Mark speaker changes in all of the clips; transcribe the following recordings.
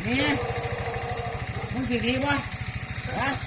Speaker 1: นี่มึงสิดีวะฮะ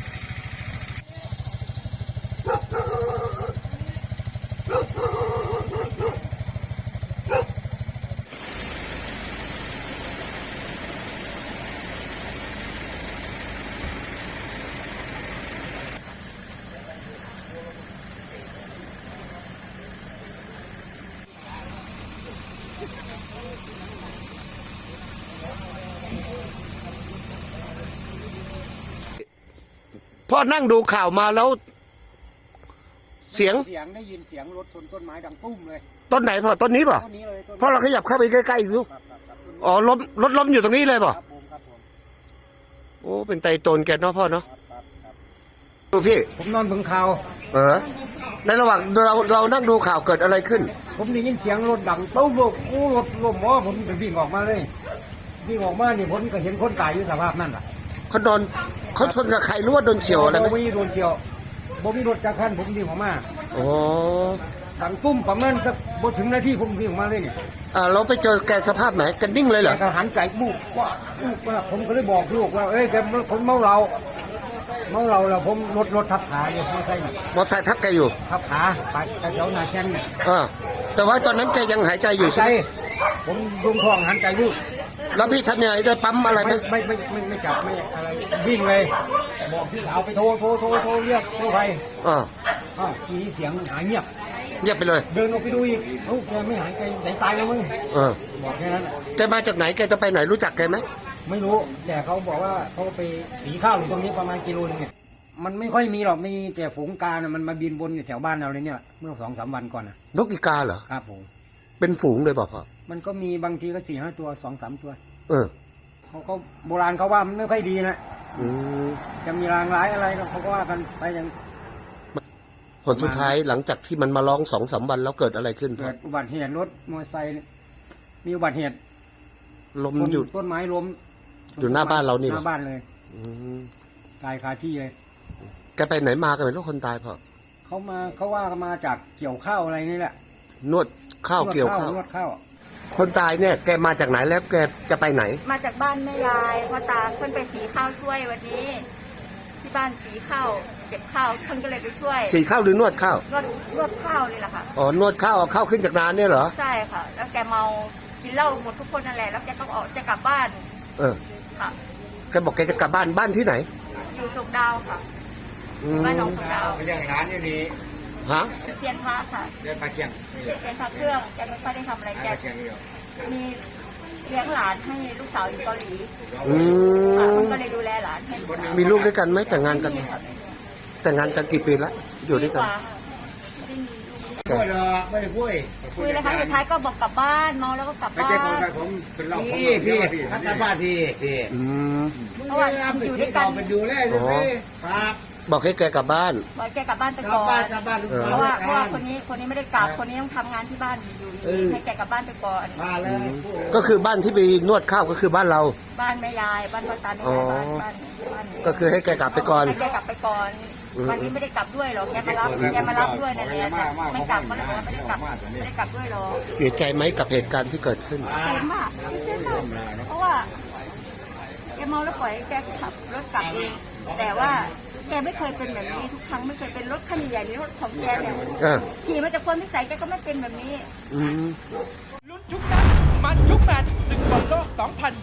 Speaker 2: พ่อนั่งดูข่าวมาแล้วเสียง
Speaker 3: ได้ยินเสียงรถชนต้นไม้ดังตุ้มเลย
Speaker 2: ต้นไหนพ่อต้นนี้ป่ะ
Speaker 3: ต้นนี้เลย
Speaker 2: พ่อเราขยับเข้าไปใกล้ๆอีกลูกอ๋อรถล้มอยู่ตรงนี้เลยป่ะโอ้เป็นไตโตนแกเนาะพ่อเนาะดูพี่
Speaker 3: ผมนอนเบิ่งข่าว
Speaker 2: ในระหว่างเรานั่งดูข่าวเกิดอะไรขึ้น
Speaker 3: ผมได้ยินเสียงรถดังตุ้มรถล้มอ๋อผมวิ่งออกมาเลยวิ่งออกมานี่ผมก็เห็นคนตายอยู่สภาพนั่นแหละ
Speaker 2: เขาชนกับใครหรือว่าโดนเฉียวอะไรไหม
Speaker 3: ไม่โดนเฉียวผมมีรถจากคันผมวิ่งออกมา
Speaker 2: โอ้
Speaker 3: ดังตุ้มประมาณสักบถึงนาทีผมวิ่งออกมาเลยเนี่ย
Speaker 2: เราไปเจอแกสภาพไหนกันนิ่งเลยเหรอ
Speaker 3: แกหันใจบุกว่าผมก็เลยบอกลูกว่าเอ้ยแกคนเมาเราแล้วผมรถทับขาอยู่มอเตอร์ไซ
Speaker 2: ค์ทับแกอยู่
Speaker 3: ทับขาไปแถวหน้าแข้งเนี่ย
Speaker 2: แต่ว่าตอนนั้นแกยังหายใจอยู่ใช่ไหม
Speaker 3: ผมรุมท้องหันใจลูก
Speaker 2: แล้วพี่ทำยังไงได้ปั๊มอะไรไหม
Speaker 3: ไม่จับไม่อะไรวิ่งเลยบอกพี่สาวไปโทรเรียกกู้ภัยทีนี้เสียงหายเงียบ
Speaker 2: ไปเลย
Speaker 3: เดินออกไปดูอีกแกไม่หายใจตายแล้วมึงบอกแค่นั้น
Speaker 2: แกมาจากไหนแกจะไปไหนรู้จักแกไหม
Speaker 3: ไม่รู้แต่เขาบอกว่าเขาไปสีข้าวอยู่ตรงนี้ประมาณกิโลนึงเนี่ยมันไม่ค่อยมีหรอกมีแต่ฝูงกามันมาบินบนแถวบ้านเราเลยเนี่ยเมื่อ2-3 วันก่อน
Speaker 2: นกอีกาเหรอ
Speaker 3: ครับผม
Speaker 2: เป็นฝูงเลยเปล่าพ่อ
Speaker 3: มันก็มีบางทีก็4-5 ตัว 2-3 ตัว
Speaker 2: เขา
Speaker 3: ก็โบราณเขาว่ามันไม่ค่อยดีนะจะมีรางร้ายอะไรเขาก็ว่ากันไปอย่าง
Speaker 2: ผลสุดท้ายหลังจากที่มันมาร้อง2-3 วันแล้วเกิดอะไรขึ้น
Speaker 3: เกิดอุบัติเหตุรถมอเตอร์ไซค์มีอุบัติเหตุ
Speaker 2: ล้มอยู่
Speaker 3: ต้นไม้ล้ม
Speaker 2: อยู่หน้าบ้านเรานี่
Speaker 3: หน้าบ้านเลยตายคาที่เลย
Speaker 2: แกไปไหนมากันเป็นลูกคนตายพ่อ
Speaker 3: เขาว่ามาจากเกี่ยวข้าวอะไรนี่แหละ
Speaker 2: นวดข้าวเกี่ยวข้าวน
Speaker 3: วดข้าว
Speaker 2: คนตายเนี่ยแกมาจากไหนแล้วแกจะไปไหน
Speaker 4: มาจากบ้านแม่ยายพ่อตาเพิ่นไปสีข้าวช่วยวันนี้ที่บ้านสีข้าวเก็บข้าวเพิ่นก็เลยไปช่วย
Speaker 2: สีข้าวหรือนวดข้า
Speaker 4: นวดข้าวนี่แหละค่ะ
Speaker 2: นวดข้าวเอาข้าวขึ้นจากนาเนี่ยเหรอ
Speaker 4: ใช่ค่ะแล้วแกเมากินเหล้าหมดทุกคนนั่นแหละแล้วแกต้องออกจะกลับบ้านค่ะ
Speaker 2: แกบอกแกจะกลับบ้านที่ไหน
Speaker 4: อยู่สุกดาวค่ะบ้านหนองสุกดาว
Speaker 3: ไปเลี้ยงร้านอยู่นี่
Speaker 2: ฮะ
Speaker 4: เซียนพระค่ะ
Speaker 3: เลี้ยงปลาเคียง
Speaker 4: เซียนพระเครื่องแกไม่ค่อยได้ทำอะไรแกมีเลี้ยงหลานให้ลูกสาวอยู่เกาหลีก็เลยดูแลหลานให้
Speaker 2: มีลูกด้วยกันไหมแต่งงานกันกี่ปีแล้วอยู่ด้วยกัน
Speaker 1: คุยหรอไม่ได้คุ
Speaker 4: ยเลยค่ะสุดท้ายก็บอกกลับบ้านเมาแล้วก็กลับบ้าน
Speaker 1: พี่กลับบ้านพี่
Speaker 4: เพราะว่าอยู่ด้วยกัน
Speaker 1: เป็นดูแลใช่ไหมครับ
Speaker 2: บอกให้แกกลับบ้าน
Speaker 4: บอกแกกลับบ้านไปก่อนเพราะว่าคนนี้ไม่ได้กลับคนนี้ต้องทำงานที่บ้านอยู่ให้แกกลับบ้านไปก่อน
Speaker 2: ก็คือบ้านที่ไปนวดข้าวก็คือบ้านเรา
Speaker 4: บ้านแม่ยายบ้านพ่อตาแม่ยายบ้าน
Speaker 2: ก็คือให้แกกลับไปก่อน
Speaker 4: ให้แกกลับไปก่อนวันนี้ไม่ได้กลับด้วยหรอกแกมารับด้วยนั่นแหละไม่กลับก็เลยบอกว่าไม่ได้กลับด้วยหรอก
Speaker 2: เสียใจไหมกับเหตุการณ์ที่เกิดขึ้น
Speaker 4: เสียมากเพราะว่าแกเมาแล้วปล่อยแกขับรถกลับเองแต่ว่าแกไม่เคยเป็นแบบนี้ทุกครั้งไม่เคยเป็นรถคันใหญ่ๆรถของแกเนี่ยขี่มาจากคนที่ใส่แกก็ไม่เป็นแบบนี้
Speaker 5: ลุ้นทุกนัดมันทุกแมตช์ศึกบอลโลก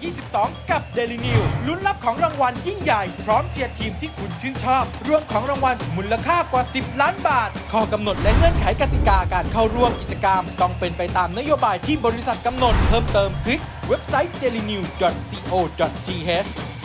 Speaker 5: 2022 กับ Daily New ลุ้นรับของรางวัลยิ่งใหญ่พร้อมเชียร์ทีมที่คุณชื่นชอบรวมของรางวัลมูลค่ากว่า 10 ล้านบาทข้อกำหนดและเงื่อนไขกติกาการเข้าร่วมกิจกรรมต้องเป็นไปตามนโยบายที่บริษัทกำหนดเพิ่มเติมคลิกเว็บไซต์ dailynew.co.th